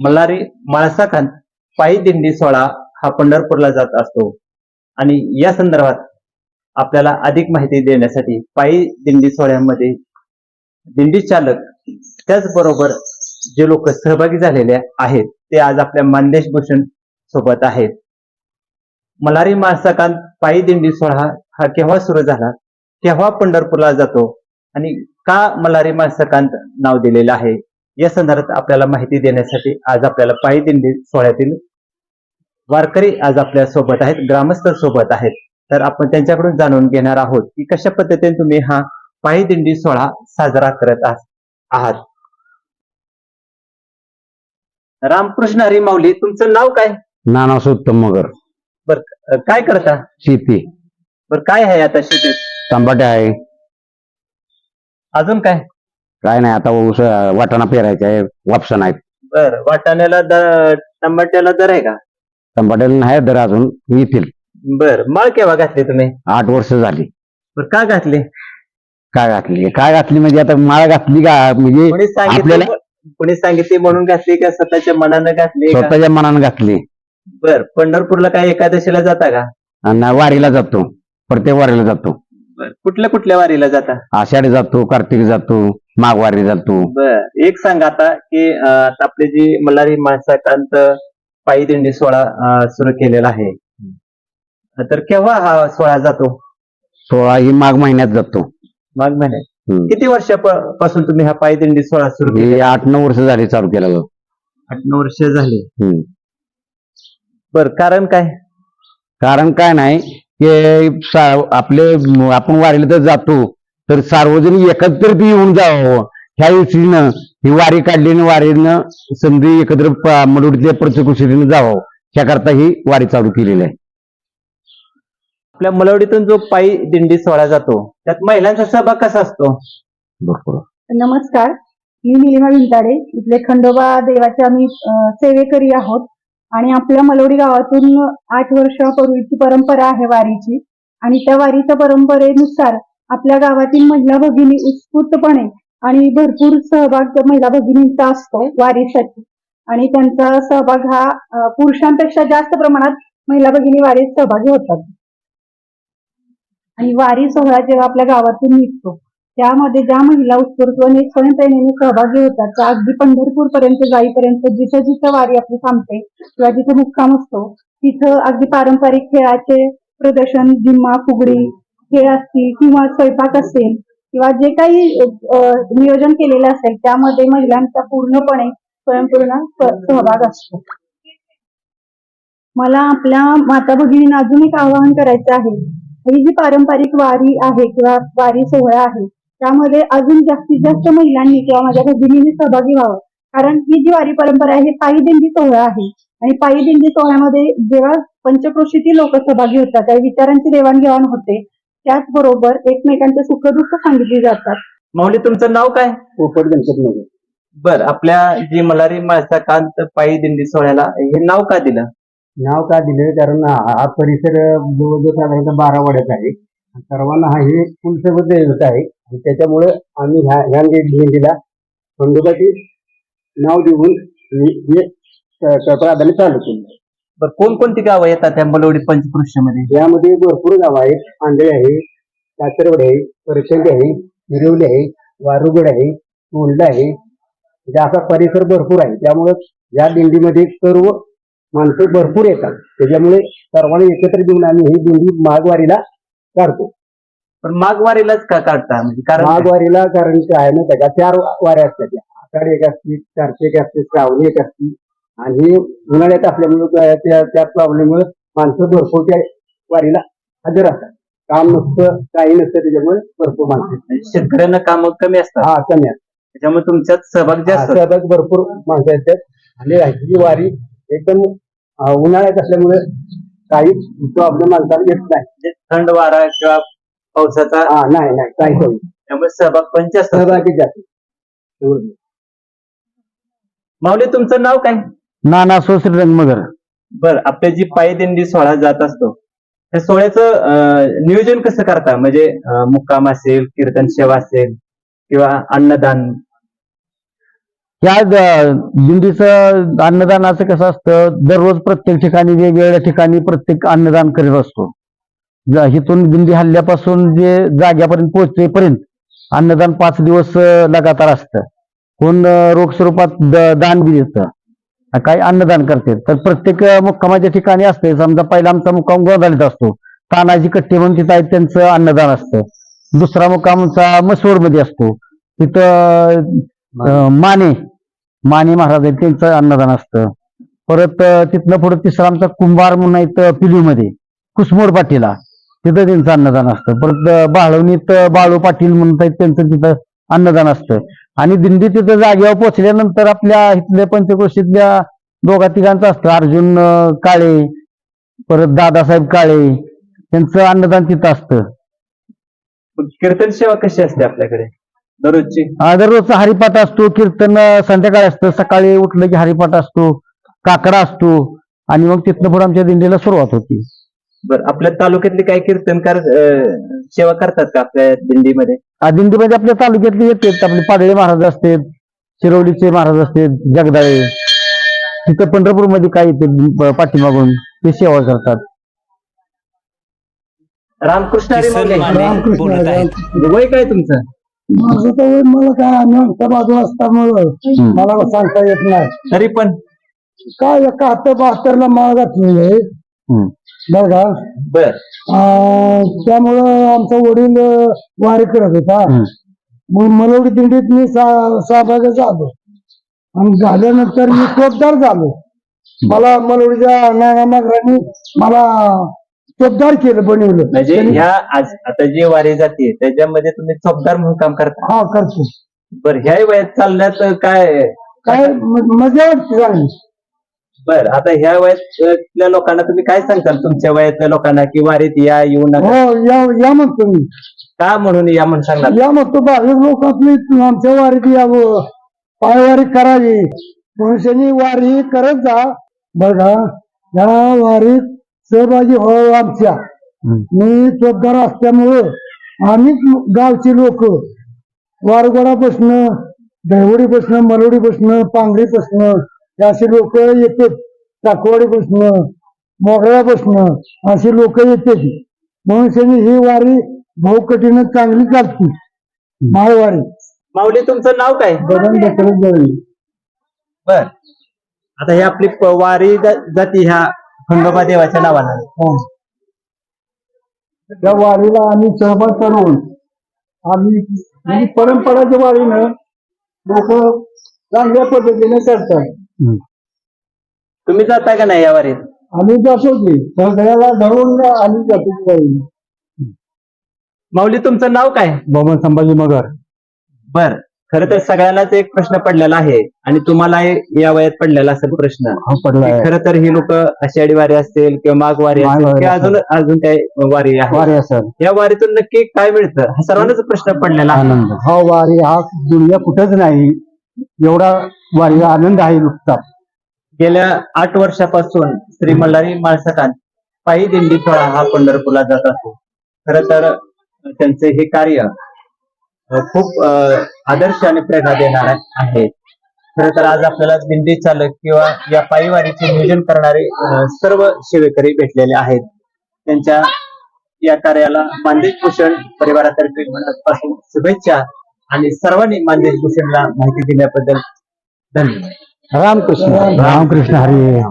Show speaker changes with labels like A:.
A: मल्हारी माळसाखांत पायी दिंडी सोहळा हा पंढरपूरला जात असतो आणि या संदर्भात आपल्याला अधिक माहिती देण्यासाठी पायी दिंडी सोहळ्यामध्ये दिंडी चालक त्याचबरोबर जे लोक सहभागी झालेले आहेत ते आज आपल्या मानदेश भूषण सोबत आहेत. मल्हारी माळसाखांत पायी दिंडी सोहळा हा केव्हा सुरू झाला, केव्हा पंढरपूरला जातो आणि का मल्हारी माळसाखांत नाव दिलेलं आहे या संदर्भात आपल्याला माहिती देण्यासाठी आज आपल्याला पायी दिंडी सोहळ्यातील वारकरी आज आपल्या सोबत आहेत, ग्रामस्थ सोबत आहेत. तर आपण त्यांच्याकडून जाणून घेणार आहोत की कशा पद्धतीने तुम्ही हा पायी दिंडी सोहळा साजरा करत आहात. रामकृष्ण हरी माऊली, तुमचं नाव काय?
B: नानास उत्तम मगर.
A: बर, काय करता?
B: शेती.
A: बर, काय आहे आता शेतीत?
B: टमाटे आहे.
A: अजून काय?
B: काय नाही, आता ऊस वाटाणा पेरायचा आहे, वापसा आहेत.
A: बर, वाटाण्याला दर, टमाट्याला दर आहे का?
B: टमाट्याला नाही दर, अजून येतील.
A: बर, माळ केव्हा घातली तुम्ही?
B: 8 वर्ष झाली.
A: बर, का घातली?
B: काय घातली म्हणजे आता माळ घातली का म्हणजे आपल्याला
A: कोणी सांगितली म्हणून घातली का स्वतःच्या मनानं घातली?
B: स्वतःच्या मनानं घातली.
A: बर, पंढरपूरला काय एकादशीला जाता का?
B: आणि वारीला जातो, प्रत्येक वारीला जातो.
A: बर, कुठल्या कुठल्या वारीला जाता?
B: आषाढी जातो, कार्तिक जातो, माघवारी जातो.
A: बर, एक सांग आता की आता आपली जी मल्हारी माळसाखांत पायी दिंडी सोहळा सुरू केलेला आहे, तर केव्हा हा सोहळा जातो?
B: 16 ही माघ महिन्यात जातो.
A: माघ महिन्यात. किती वर्षापासून तुम्ही हा पायी दिंडी सोहळा सुरू केला?
B: 8-9 वर्ष झाली चालू केला.
A: 8-9 वर्ष झाली. बर, कारण काय?
B: कारण काय नाही की आपले आपण वारीला तर जातो तर सार्वजनिक एकत्रित येऊन जावं ह्या दृष्टीनं ही वारी काढली आणि वारीनं समजी एकत्र मडुडीतल्या प्रत्येक जावं ह्याकरता ही वारी चालू केलेली आहे.
A: आपल्या मलवडीतून जो पायी दिंडी सोहळा जातो त्यात महिलांचा सहभाग कसा असतो?
B: भरपूर.
C: नमस्कार, मी निलिमा विंताडे, इथले खंडोबा देवाचे आम्ही सेवेकरी आहोत आणि आपल्या मलवडी गावातून 8 वर्षापूर्वीची परंपरा आहे वारीची आणि त्या वारीच्या परंपरेनुसार आपल्या गावातील महिला भगिनी उत्स्फूर्तपणे आणि भरपूर सहभाग महिला भगिनींचा असतो वारीसाठी आणि त्यांचा सहभाग हा पुरुषांपेक्षा जास्त प्रमाणात महिला भगिनी वारीत सहभागी होतात. आणि वारी सोहळा जेव्हा आपल्या गावातून निघतो त्यामध्ये ज्या महिला उत्स्फूर्तपणे स्वयंप्रेरणेने सहभागी होतात त्या अगदी पंढरपूर पर्यंत जाईपर्यंत जिथं जिथं वारी आपली थांबते किंवा जिथं मुक्काम असतो तिथं अगदी पारंपरिक खेळाचे प्रदर्शन, जिम्मा, फुगडी खेळ असतील किंवा स्वयंपाक असेल किंवा जे काही नियोजन केलेलं असेल त्यामध्ये महिलांचा पूर्णपणे स्वयंपूर्ण सहभाग असतो. मला आपल्या माता भगिनींना अजून एक आवाहन करायचं आहे. ही जी पारंपरिक वारी आहे किंवा वारी सोहळा आहे त्यामध्ये अजून जास्तीत जास्त महिलांनी किंवा माझ्या भगिनींनी सहभागी व्हावं, कारण ही जी वारी परंपरा आहे ही पायी दिंडी सोहळा आहे आणि पायी दिंडी सोहळ्यामध्ये जेव्हा पंचक्रोशीतील लोक सहभागी होतात त्या विचारांची देवाणघेवाण होते, त्याचबरोबर एकमेकांचे सुखदुःख सांगितली जातात.
A: माऊली, तुमचं नाव काय?
B: पोपट गणपती नगर.
A: बर, आपल्या जी मल्हारी माळसाखांत पायी दिंडी सोहळ्याला हे नाव का दिलं?
B: नाव का दिलं कारण हा परिसर जवळजवळ साधारणतः 12 वाड्याचा आहे. सर्वांना हा हे कुलसोबत देत आहे आणि त्याच्यामुळे आम्ही ह्या दिंडीला खंडोबाचे नाव देऊन हे प्राधान्य चालू केलं.
A: बर, कोणकोणती गावं येतात त्या मलवडी पंचकृष्यामध्ये?
B: यामध्ये भरपूर गाव आहेत. आंधळे आहे, कातरवड आहे, परचंडी आहे, हिरवली आहे, वारुगड आहे, तोंडला आहे. म्हणजे असा परिसर भरपूर आहे. त्यामुळे या दिंडीमध्ये सर्व माणसं भरपूर येतात. त्याच्यामुळे सर्वांनी एकत्र येऊन आम्ही ही दिंडी माघवारीला काढतो.
A: पण माघवारीलाच का काढता? म्हणजे कारण
B: माघवारीला कारण काय ना त्याच्या 4 वाऱ्या असतात. आषाढी एक असते, कार्तिक असते, श्रावणी एक असते आणि उन्हाळ्यात असल्यामुळे त्या प्रॉब्लेममुळे माणसं भरपूर त्या वारीला हजर असतात. काम नसतं, काही नसतं, त्याच्यामुळे भरपूर माणसं.
A: शेतकऱ्यांना काम कमी असतात.
B: कमी असतात,
A: त्याच्यामुळे तुमच्यात सहभाग जास्त.
B: सहभाग भरपूर माणसं येतात आणि ही वारी एकदम उन्हाळ्यात असल्यामुळे काही प्रॉब्लेम माणसाला येत नाही.
A: थंड वारा किंवा पावसाचा
B: नाही काही होईल,
A: त्यामुळे सहभाग पण जास्त.
B: सहभागी जास्त.
A: माऊली, तुमचं नाव काय?
B: नाना श्रीरंग मगर.
A: बर, आपल्या जी पायी दिंडी सोहळा जात असतो त्या सोहळ्याचं नियोजन कसं करता? म्हणजे मुक्काम असेल, कीर्तन सेवा असेल किंवा अन्नदान?
D: ह्या दिंडीचं अन्नदानाचं कसं असतं, दररोज प्रत्येक ठिकाणी वेगवेगळ्या ठिकाणी प्रत्येक अन्नदान करीत असतो. इथून दिंडी हल्ल्यापासून जे जाग्यापर्यंत पोहोचेपर्यंत अन्नदान 5 दिवस लगातार असतं. कोण रोख स्वरूपात दान बी देतं, काही अन्नदान करते. तर प्रत्येक मुक्कामाच्या ठिकाणी असते. समजा पहिला आमचा मुक्काम गोंधळीत असतो, तानाजी कट्टे म्हणून तिथं आहेत, त्यांचं अन्नदान असतं. दुसरा मुक्काम आमचा मसवडमध्ये असतो, तिथं माने महाराज आहेत, त्यांचं अन्नदान असतं. परत तिथनं पुढे तिसरा आमचा कुंभार म्हणून आहेत पिलीमध्ये, कुसमोड पाटीला, तिथं त्यांचं अन्नदान असतं. परत बाळवणीत बाळू पाटील म्हणून आहेत, त्यांचं तिथं अन्नदान असतं. आणि दिंडी तिथं जागेवर पोहोचल्यानंतर आपल्या इथल्या पंचक्रोशीतल्या दोघा तिघांचं असतं. अर्जुन काळे, परत दादासाहेब काळे, त्यांचं अन्नदान तिथं असतं.
A: कीर्तन सेवा कशी असते आपल्याकडे दररोजची?
D: दररोजचा हरिपाठ असतो, कीर्तन संध्याकाळी असतं, सकाळी उठलं की हरिपाठ असतो, काकडा असतो, आणि मग तिथनं पुढे आमच्या दिंडीला सुरुवात होती.
A: बरं, आपल्या तालुक्यातले काही कीर्तनकार सेवा करतात का आपल्या दिंडीमध्ये?
D: दिंडीमध्ये आपल्या तालुक्यातले येतात, आपले पाडळे महाराज असतात, शिरवलीचे महाराज असतात, जगदाळे. तिथं पंढरपूरमध्ये काय येते पाठीमागून ते सेवा करतात.
A: रामकृष्ण हरी
E: किसन
A: माऊली.
E: माने बोलत आहेत.
A: वय काय तुमचं?
B: माझं तर वय मला काय आम्ही बाजू असल्यामुळं मला सांगता येत नाही.
A: तरी पण
B: काय 71-72 माळ घातलेली आहे बरं का.
A: बर
B: त्यामुळं आमचा वडील वारी करत होता. मग मलवडी दिंडीत मी सहभागी झालो आणि झाल्यानंतर मी चोपदार झालो. मला मलवडीच्या नानामागरांनी मला चोपदार केलं, बनवलं.
A: म्हणजे ह्या आज आता जी वारी जाते त्याच्यामध्ये तुम्ही चौकदार म्हणून काम करता?
B: हा करतो.
A: बर, ह्या वयात चालण्यात काय
B: काय मजा वाटते चांगली.
A: बर, आता ह्या वयातल्या लोकांना तुम्ही काय सांगताल तुमच्या वयातल्या लोकांना की वारीत येऊ नका?
B: हो या म्हणतो मी.
A: का म्हणून या म्हणून सांगणार?
B: या म्हणतो भाविक लोक आपली आमच्या वारीत यावं, पायवारी करावी, मनुष्यानी वारी करत जा बघा. या वारीत सहभागी व्हावं आमच्या. मी चोपदार असल्यामुळं आम्ही गावची लोक वारगोडा बसणं, दहिवडी बसणं, मलवडी बसणं, पांगडी बसणं, अशी लोक येतात. टाकवाडी बसणं, मोगळ्या बसणं, अशी लोक येतात. मनुष्याने ही वारी भाऊकटीनं चांगली चालती, माळवारी.
A: माऊली, तुमचं नाव काय?
B: बदन दसरथ जवळ.
A: बर, आता ही आपली वारी जाती ह्या खंडोबा देवाच्या नावानं.
B: त्या वारीला आम्ही सहभाग करून आम्ही म्हणजे परंपराच्या वारीनं लोक चांगल्या पद्धतीने करतात.
A: तुम्ही जाता का नाही या वारीत?
B: आम्ही जातो की सगळ्याला धरून आम्ही जातो वारीला.
A: माऊली, तुमचं नाव काय?
D: मोहम्मद संभाजी मगर.
A: बर, खर तर सगळ्यांनाच एक प्रश्न पडलेला आहे आणि तुम्हाला या वयात पडलेला असेल प्रश्न. खर तर ही लोक आषाढी वारी असतील किंवा माघ वारी असेल किंवा अजून काही वारी आहे, या वारीतून नक्की काय मिळतं हा सर्वांनाच प्रश्न पडलेला आहे.
B: हा वारी हा दुनिया कुठंच नाही एवढा वारीला आनंद आहे नुकता.
A: गेल्या 8 वर्षापासून श्री मल्हारी माळसकांत पायी दिंडी सोहळा हा पंढरपूरला जात असतो. खर तर त्यांचे हे कार्य खूप आदर्श आणि प्रेरणा देणार आहे. खर तर आज आपल्याला दिंडी चालक किंवा या पायी वारीचे नियोजन करणारे सर्व सेवेकरी भेटलेले आहेत. त्यांच्या या कार्याला मानदेश भूषण परिवारातर्फे मनापासून शुभेच्छा आणि सर्वांनी मानदेश भूषणला माहिती दिल्याबद्दल धन्यवाद.
D: रामकृष्ण रामकृष्ण हरी.